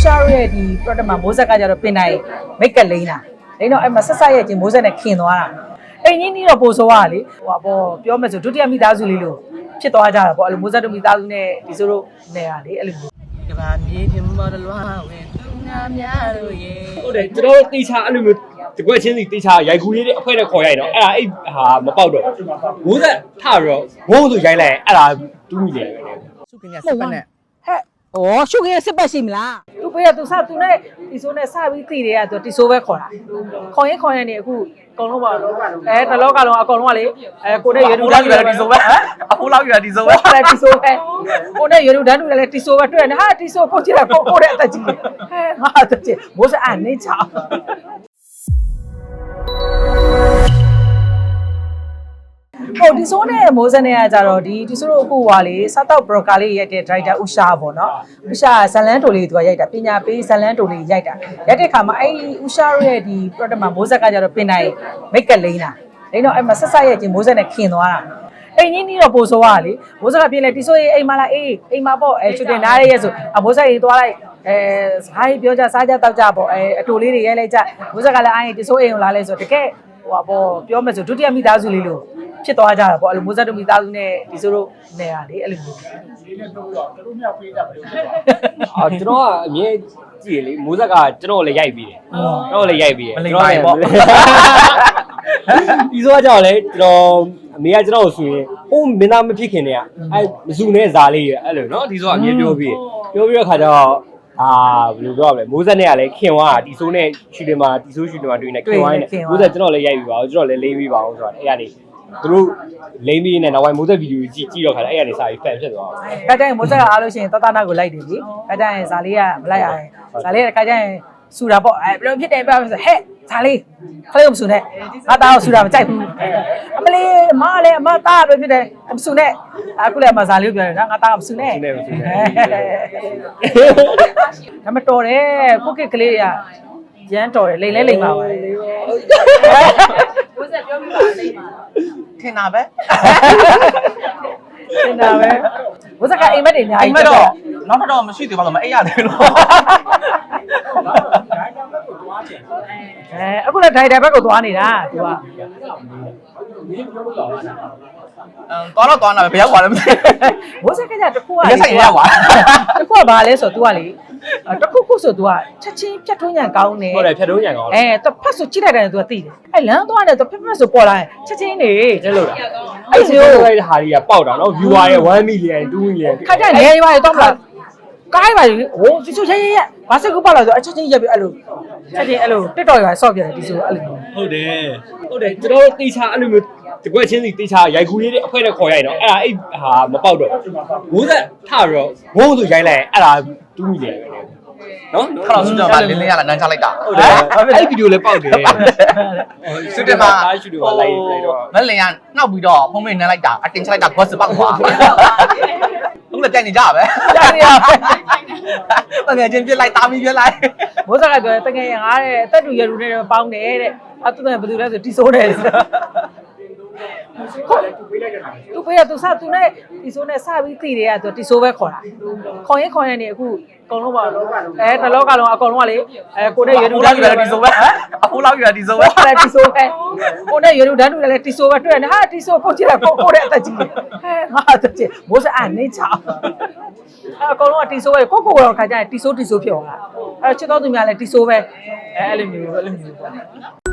ရှာရဲ့ဒီ product မှာမိုးဆက်ကကြတော့ပင်တိုင်းမိတ်ကလိမ့်တာလိမ့်တော့အဲ့မှာဆက်ဆက်ရဲ့ချင်းမိုးဆက်နဲ့ခင်သွားတာအိမ်ကြီးနီးတော့ပိုဆိုးရလေဟိုပေါ့ပြောမယ်ဆိုဒုတိယမိသားစုလေးလို့ဖြစ်သွားကြတာပေါ့အဲ့လိုမိုးဆက်တို့မိသားစုနဲ့ဒီဆိုတို့နေရလေအဲ့လိုမျိုးကဘာမြေပြင်မော်ဒလွားဝင်သူများများတို့ရေဟုတ်တယ်ကျွန်တော်တေချာအဲ့လိုမျိုးတကွက်ချင်းစီတေချာရိုက်ကူးလေးတွေအဖွဲနဲ့ခေါ်ရိုက်တော့အဲ့ဒါအဲ့ဟာမပေါက်တော့မိုးဆက်ထပြီးတော့ဝုန်းဆိုရိုက်လိုက်အဲ့ဒါတူးမိတယ်ပဲစုကင်းရစပတ်နဲ့ဟဲ့ဩရှုခင်းစစ်ပတ်ရှိမလားသူပေးရသူစသူနဲ့ဒီဆိုနဲ့စပြီးသိတယ်ကသူတီဆိုပဲခေါ်တာခေါ်ရင်နေအခုအကုန်လုံးပါတလောကလုံးအကုန်လုံးကလေကိုနဲ့ရွေးတူတန်းတူလည်းတီဆိုပဲအခုလောက်ရတီဆိုပဲလည်းတီဆိုပဲကိုနဲ့ရွေးတူတန်းတူလည်းတီဆိုပဲတွေ့နေဟာတီဆိုကိုကြည့်တာကိုတဲ့အသက်ကြီးဟဲငါအသက်ကြီးမိုးစအနေချောင်းဟိုဒီဆိုနဲ့မိုးစနဲ့ကကြတော့ဒီဆိုတော့အခုဟာလေစားတော့ဘရော့ကာလေးရိုက်တဲ့ director ဥရှာပေါ့နော်ဥရှာဇလန်းတိုလေးသူကရိုက်တာပညာပေးဇလန်းတိုလေးရိုက်တာရိုက်တဲ့ခါမှာအဲ့ဥရှာရဲ့ဒီ product မှာမိုးဆက်ကကြတော့ပင်တိုင်းမိတ်ကလိမ့်တာလိမ့်တော့အဲ့မှာဆက်ဆက်ရဲ့ချင်းမိုးဆက်နဲ့ခင်သွားတာအိမ်ကြီးနီးတော့ပိုဆိုးရလေမိုးဆက်ကပြင်လေဒီဆိုရေးအိမ်မလာအေးအိမ်မပေါ့ချွတ်တင်နားရဲဆိုမိုးဆက်ရေးသွားလိုက်စကားပြောကြစားကြတောက်ကြပေါ့အတူလေးတွေရိုက်လိုက်ကြမိုးဆက်ကလည်းအိမ်ဒီဆိုအိမ်ကိုလာလဲဆိုတကယ်ဟိုပါပေါ့ပြောမယ်ဆိုဒုတိယမိသားစုလေးလို့ဖြစ်သွားကြတာပေါ့အဲ့လိုမိုးဆက်တို့မိသားစုနဲ့ဒီဆိုတို့နေရလေအဲ့လိုမျိုးကျွန်တော်ကအမြဲကြည့်လေမိုးဆက်ကကျွန်တော်လည်းရိုက်ပြီးတယ်ကျွန်တော်လည်းရိုက်ပြီးတယ်ကျွန်တော်လည်းပေါ့ဒီဆိုကြောင့်လေကျွန်တော်အမေကကျွန်တော်ကိုဆိုရင်ဟိုမင်းသားမဖြစ်ခင်တည်းကအဲမစုနဲ့ဇာလေးရအဲ့လိုနော်ဒီဆိုကအမြဲပြောပြီးတဲ့ခါကျတော့ဘယ်လိုပြောရမလဲမိုးဆက်နဲ့ကလည်းခင်သွားတာဒီဆိုနဲ့ရှူတင်မှာဒီဆိုရှူတင်မှာတွေ့နေခင်သွားနေမိုးဆက်ကျွန်တော်လည်းရိုက်ပြီးပါအောင်ကျွန်တော်လည်းလိမ့်ပြီးပါအောင်ဆိုတာအဲ့ကနေသူတို့လိမ့်ပြီးနေနောက်ပိုင်းမိုးဆက်ဗီဒီယိုကြည့်တော့ခါအဲ့ကနေစာပြီးဖန်ဖြစ်သွားအောင်ခါကျရင်မိုးဆက်အားလို့ရှိရင်တတနာကိုလိုက်တယ်လေခါကျရင်ဇာလေးကမလိုက်ရရင်ဇာလေးကခါကျရင်ဆူတာပေါ့ဘယ်လိုဖြစ်တယ်ပြောဆိုဟဲ့ဇာလေးခလေးမဆူနဲ့ငါသားကိုဆူတာမကြိုက်ဘူးအမလေးမလည်းအမသားပဲဖြစ်တယ်မဆူနဲ့အခုလည်းအမဇာလေးကိုပြောတယ်နော်ငါသားကမဆူနဲ့ဒါမတော်တယ်ကိုကစ်ကလေးတွေကရမ်းတော်တယ်လိမ့်လဲလိမ့်ပါပါဘုဇက်ပြောပြပါလိမ့်ပါထင်တာပဲဘုဇက်ကအိမ်မက်တွေအများကြီးအိမ်မက်တော့နောက်တော့မရှိသေးပါတော့မအိပ်ရတယ်လို့အခုလည်းဒိုင်တာဘက်ကိုသွားနေတာသူကသွားတော့ဘယ်ရောက်ပါလဲမသိဘိုးစက်ကကြတခုကရက်ဆိုင်ရောက်ပါတခုကဘာလဲဆိုတော့ तू ကလေတခုဆို तू ကချက်ချင်းဖြတ်ထုံးညံကောင်းနေဟုတ်တယ်ဖြတ်ထုံးညံကောင်းသူဖတ်ဆိုကြည့်လိုက်တယ် तू ကသိတယ်အဲ့လမ်းသွားတယ် तू ဖက်ဆိုပေါ်လာရင်ချက်ချင်းနေကျလို့လားအဲ့ဒီလိုလိုက်တဲ့ဟာတွေကပေါက်တာနော် viewer ရဲ့1 million 2 million ခါကြနေရွာတွေတော့မလားကားပါလေဟိုဒီဆိုရဲဘာစကူပေါက်လာဆိုအချက်ချင်းရက်ပြီးအဲ့လိုချက်ချင်းအဲ့လို TikTok ရွာဆော့ပြတယ်ဒီဆိုအဲ့လိုဟုတ်တယ်ကျွန်တော်တေချာအဲ့လိုမျိုးတကွက်ချင်းစီတေချာရိုက်ကူးလေးတွေအဖွဲနဲ့ခေါ်ရိုက်တော့အဲ့ဒါအဲ့ဟာမပေါက်တော့မိုးဆက်ထပြီးတော့ဝုန်းဆိုရိုက်လိုက်အဲ့ဒါတူးမိတယ်ပဲနော်ခါတော့စူတင်မှာလင်းလင်းရလာနန်းချလိုက်တာဟုတ်တယ်အဲ့ဗီဒီယိုလည်းပေါက်တယ်စူတင်မှာရှူတင်မှာလိုက်တော့ငလင်းရနှောက်ပြီးတော့ဖုံးမေးနန်းလိုက်တာအတင်ချလိုက်တာကွက်စပေါက်သွားဟုတ်လည်းကြိုက်နေကြပဲကြိုက်နေရပဲငယ်ချင်းပြစ်လိုက်တာမီပြစ်လိုက်မိုးဆက်ကပြောတကယ်ရင်ငါတဲ့အသက်တူရတူနဲ့ပေါင်းတယ်တဲ့အဲ့သူကဘယ်သူလဲဆိုတီဆိုးတယ်သူပေးရသူစသူနဲ့တီဆိုးနဲ့စပြီးသိတယ်ကသူတီဆိုးပဲခေါ်တာခေါ်ရင်နေအခုအကုန်လုံးပါတလောကလုံးအကုန်လုံးကလေကိုနဲ့ရွေးတူတန်းတူလည်းတီဆိုးပဲအခုလောက်ရတီဆိုးပဲလည်းတီဆိုးပဲကိုနဲ့ရွေးတူတန်းတူလည်းတီဆိုးပဲတွေ့နေဟာတီဆိုးကိုကြည့်လိုက်ကိုတဲ့အသက်ကြီးဟဲငါအသက်ကြီးမိုးစအနေချောင်းအကုန်လုံးကတီဆိုးပဲကိုတော့ခါကြရင်တီဆိုးဖြစ်သွားတာချစ်တော်သူများလည်းတီဆိုးပဲအဲ့လိုမျိုးပေါ့